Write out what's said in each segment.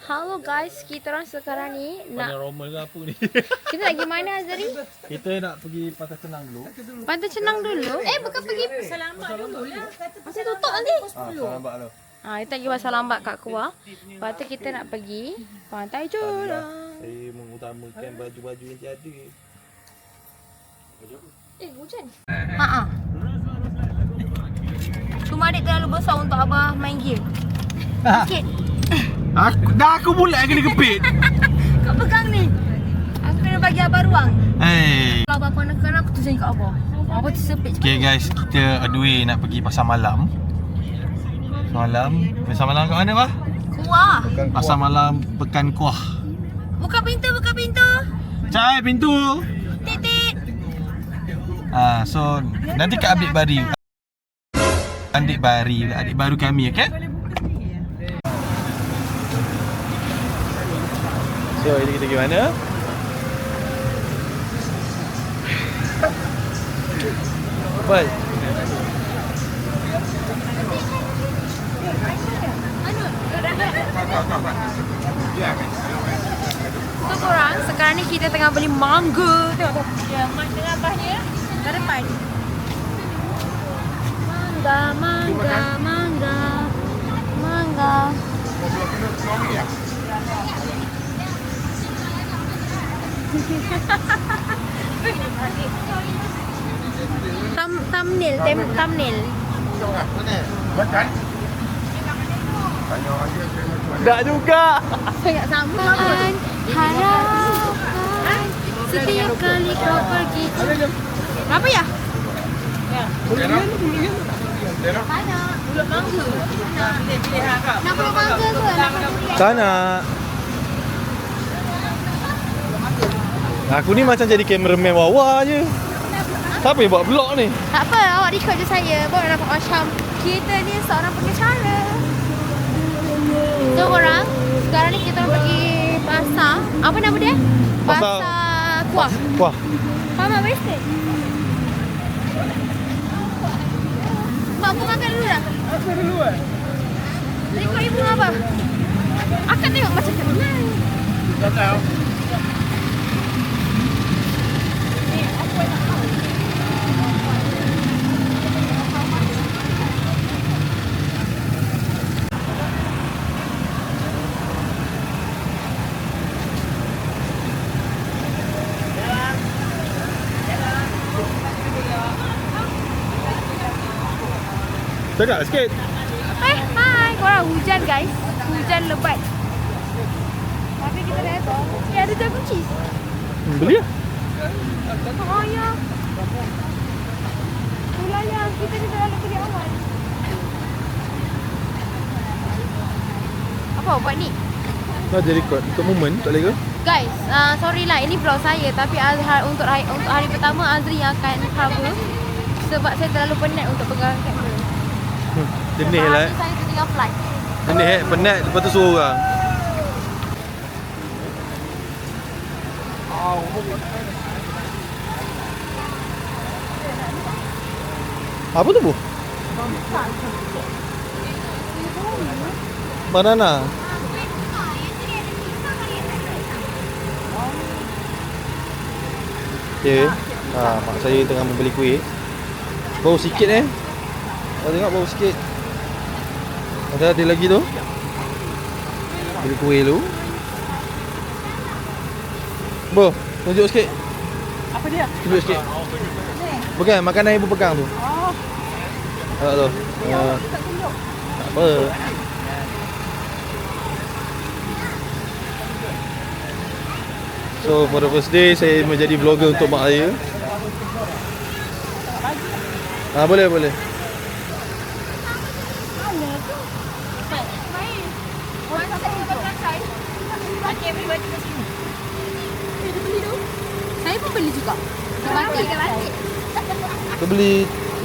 Halo guys, kita orang sekarang ni Panjang Romal ke apa ni? kita nak pergi mana Azari? Kita nak pergi Pantai Senang dulu. Pantai Senang dulu. Bukan pergi Selamat dulu lah. Masih tutup nanti. Selamat tu. Kita pergi pasal lambat kat keluar. Lepas tu kita nak pergi Pantai Jurang. Saya mengutamakan baju-baju yang tiada. Hujan. Cuma adik terlalu besar untuk abah main game. Sikit. Aku pula yang kena kepit. Kau pegang ni. Aku kena bagi abah ruang. Hey. Kalau abah kena aku tujuan kat abah. Abah tersepit. Okay guys, kita adui nak pergi pasar malam. Pasar malam kat mana bah? Kuah. Pasar malam Pekan Kuah. Buka pintu, buka pintu. Cai pintu. Titik. So nanti kat adik baru kami, okay? So ini kita pergi mana? Baik. So korang, sekarang ni kita tengah beli mangga. Tengok tu. Ya, tengah abahnya. Kat depan. Mangga. Thumbnail. Tak juga. Sangat samaan harapan setiap kali kau pergi. Apa ya? Mana? Pulut mangga. Nak pulut mangga ke? Tak nak. Aku ni macam jadi kameraman wawa je. Siapa yang buat vlog ni? Tak apa, awak record je saya. Baru nampak macam kita ni seorang pengacara. So korang, sekarang ni kita orang pergi pasar. Apa nama dia? Pasar Kuah. Kuah. Mama wasted. Mak, aku makan dulu dah. Makan dulu Rekod ibu apa? Akak tengok macam kenal. Tak tahu. Tegak sikit. Hai. Korang hujan guys. Hujan lebat. Tapi kita datang. Ada jagung cheese. Beli lah. Oh ya. Itulah yang kita ni terlalu beli awal. Apa buat ni? Kau jadi record untuk moment tak boleh ke? Guys, sorry lah ini vlog saya. Tapi untuk hari pertama Azri yang akan cover. Sebab saya terlalu penat untuk pegang kamera. Jenis lah. Saya tertinggal flight. Jenis penat lepas tu suruh orang. Apa tu bu? Banana. Okay. Mak saya tengah membeli kuih. Bau sikit Kau tengok bau sikit. Ada lagi tu. Beli kuih dulu. Bo, tunjuk sikit. Apa dia? Tunjuk sikit. Bukan, makanan ibu pegang tu. Oh. Tak tu. Tak apa. So for the first day saya menjadi vlogger untuk mak saya. Boleh. Saya pun beli juga. Kita beli.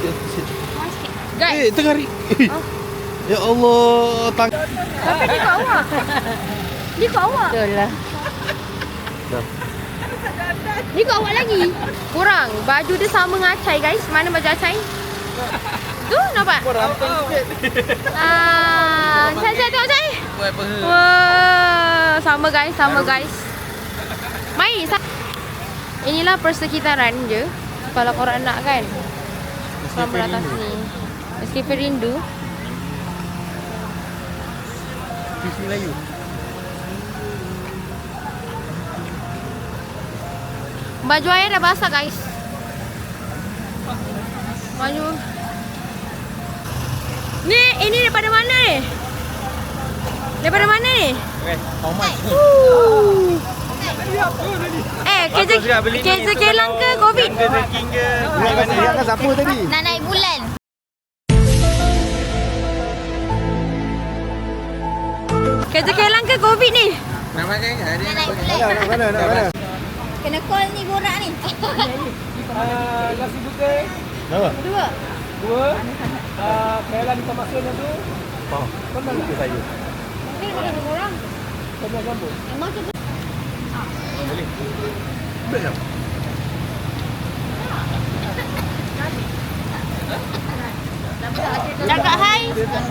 Guys, tengah hari. Ya Allah, tapi dia kat awak. Betul lah. Dah. Ni kat awak lagi. Kurang. Baju dia sama dengan Acai guys. Mana baju Acai? Tu nampak? Kau ramping sikit. Saya tengok Acai. Buat apa? Wah. sama guys, sama guys. Mari. Inilah persekitaran je. Kalau korang nak kan. Korang beratas ni. Escape rindu. Fish Melayu. Baju ayah dah basah guys. Baju. Ni, ini daripada mana ni? Daripada mana ni? How much? Kerja kelang ke COVID? Trekking ke? Dia kan siapa tadi? Nak naik bulan. Kerja kelang ke COVID ni? Nak naik bulan. Nak mana? Kena call ni borak ni. Nasi putih Nama? dua, Kailan ikan masin tu. Oh, Pernah tak? saya. Ni ada orang. Pernah gambar. Emang tu Boleh. Boleh tak? Cakap hai.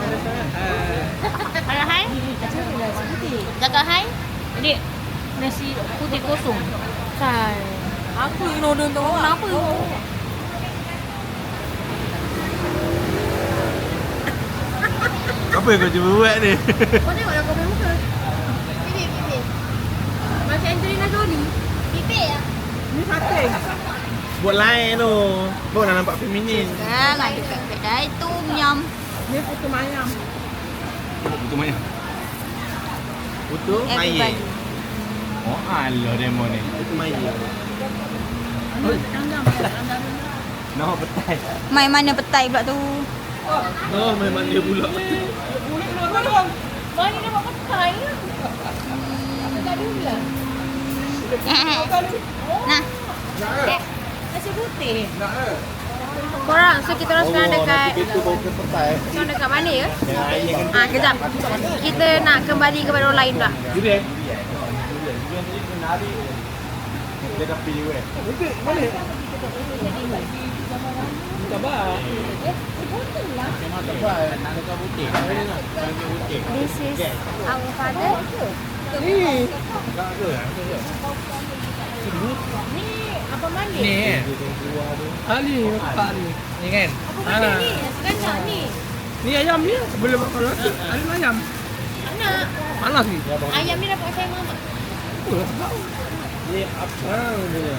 Ada hai? Cakap hai. Ini nasi putih kosong. Kan. Aku yang order untuk orang apa? Apa yang kau cuba buat ni? Kau tengok dah kau punya muka. Bibir. Macam Angelina Jolie. Bibir ya. Ni sate. Buat lain tu. Baru nak nampak feminin. Kan ada kat kedai tu nyam. Ni putu mayam. Putu mana? Putu Everybody. Oh, alah demo ni. Putu maya. No, petai. Mai mana petai pula tu? No, memang dia pula. Mana dia buat petai? Nah. Nasi putih. Korang, so kita orang sekarang dekat Itu bau ke petai. sekarang dekat mana ya? Yang air kan. Kejap. Kita nak kembali kepada orang lain pula. Durian. Dia dah pilih weh. Putih, boleh. Sabar. This is our father. Ni. Apa mandi? Ni kan. Ali pak ni. Ni kan. Apa ni? Kacang ni. Ni ayam ni boleh makan rasa. Ali ayam. Nak. Panas ni. Ayam ni dapat saya mama. Ni apa dia?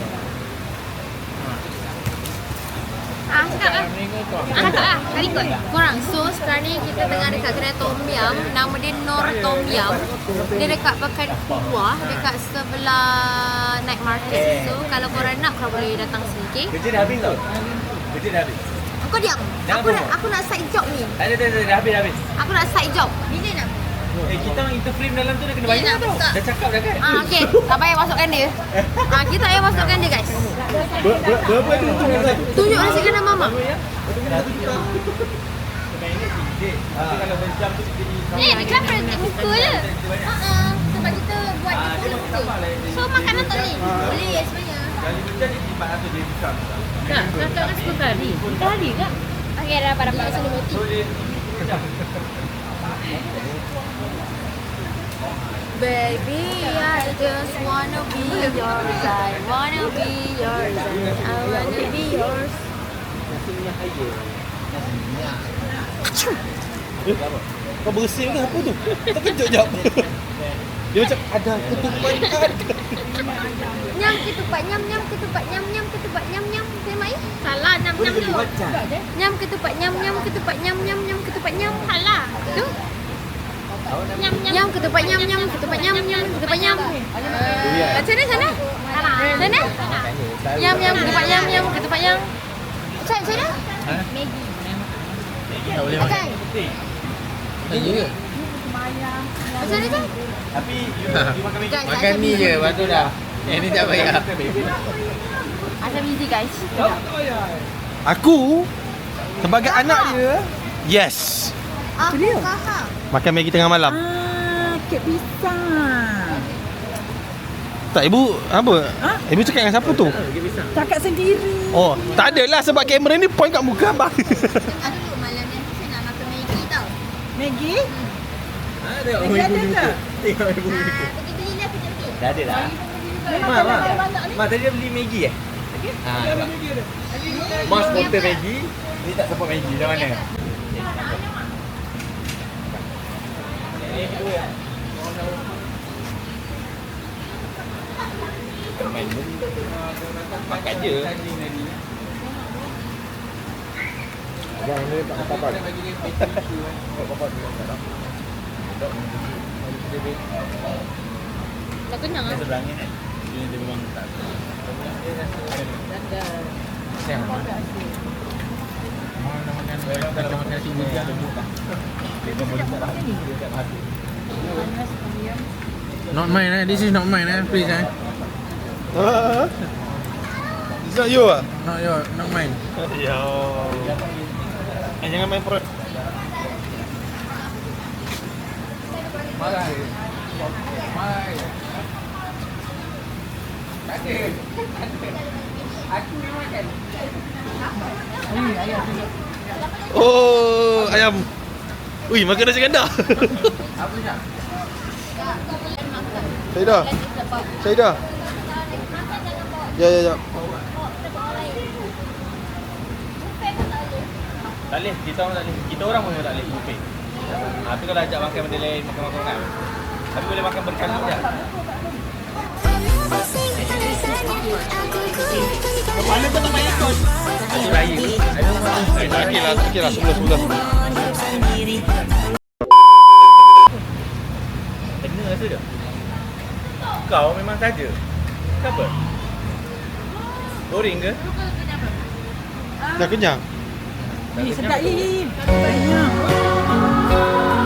Cakap lah. Cakap lah. Kali kot. Korang, so sekarang ni kita tengah dekat kedai Tom Yum. Nama dia Nor Tom Yum. Dia dekat Pekan Kuah, dekat sebelah night market. So kalau korang nak, korang boleh datang sini, okay? Kerja dah habis tau. Kerja dah habis. Kau diam. Jangan Aku nak side job ni. Dah habis. Aku nak side job. Bila nak? Kita orang interframe dalam tu dah kena bayar tau. Dah cakap dah kan? Okay. Tak payah masukkan dia. Kita payah masukkan dia, guys. Berapa tu tunjuk? Tunjuk nasi kena mama. Kalau berjam tu kita Ni kan praktik muka je. Sebab kita buat dia full muka. So makanan tak boleh. Boleh sebenarnya. kali berjam ni 400 dia discount. Tak, kakak kan 10 kali. Kita hari tak? Okay, dah pada pasal ni mati. So dia berjam. Baby, I just wanna be yours. I wanna be yours. I wanna be yours. Kau bersin ke apa tu? Terkejut jap. Dia macam ada ketupat. Nyam ketupat, nyam ketupat, nyam ketupat, nyam. Saya mai? Salah, nyam tu. Nyam ketupat, nyam ketupat, nyam ketupat, nyam. Salah. Tu. Nyam ketupat, nyam ketupat, nyam ketupat, nyam. Sana. Sana. Nyam ketupat, nyam ketupat, nyam. Sana. Maggi. Tak boleh Macam Macam mana? Tapi you makan Maggi. Makan ni je, lepas tu dah. Ni tak payah. Asam easy guys. Aku sebagai anak dia, yes. Aku faham. Makan Maggi tengah malam. Kek pisang. Tak, ibu apa? Ibu cakap dengan siapa tu? Cakap sendiri. Oh, tak adalah sebab kamera ni point kat muka abang. Aduh malam ni saya nak makan Maggi tau. Maggi? Tengok Maggi ada tak? Tengok ibu. Begitu Dah ada dah. Ma tadi dia beli Maggi eh? Nampak. Mas sponsor Maggi, ni tak support Maggi. Macam mana? Main beli. Makan je. Abang ni tak apa-apa. Tak kenyang ah. Seberang ni kan. Dia memang tak. Sayang. Kalau makan nasi bujang tu. Not mine eh. This is not mine eh. Please eh. Is that you ah? Not mine. Ya. Jangan main perut. Marah. Aku ni makan. Oh, ayam. Ui, makan nasi ganda. Apa Syah? Saidah. Ya. Tak boleh, kita orang tak boleh. Kita orang pun tak boleh buffet. Tapi kalau ajak makan benda lain, makan kan. Tapi boleh makan berkali je. Kepala kau tak payah ikut. Aku raya. Okey lah, sebelah. Kena rasa dia. Kau memang saja. Kenapa? Boring ke? Dah kenyang? Sedap Im. Banyak.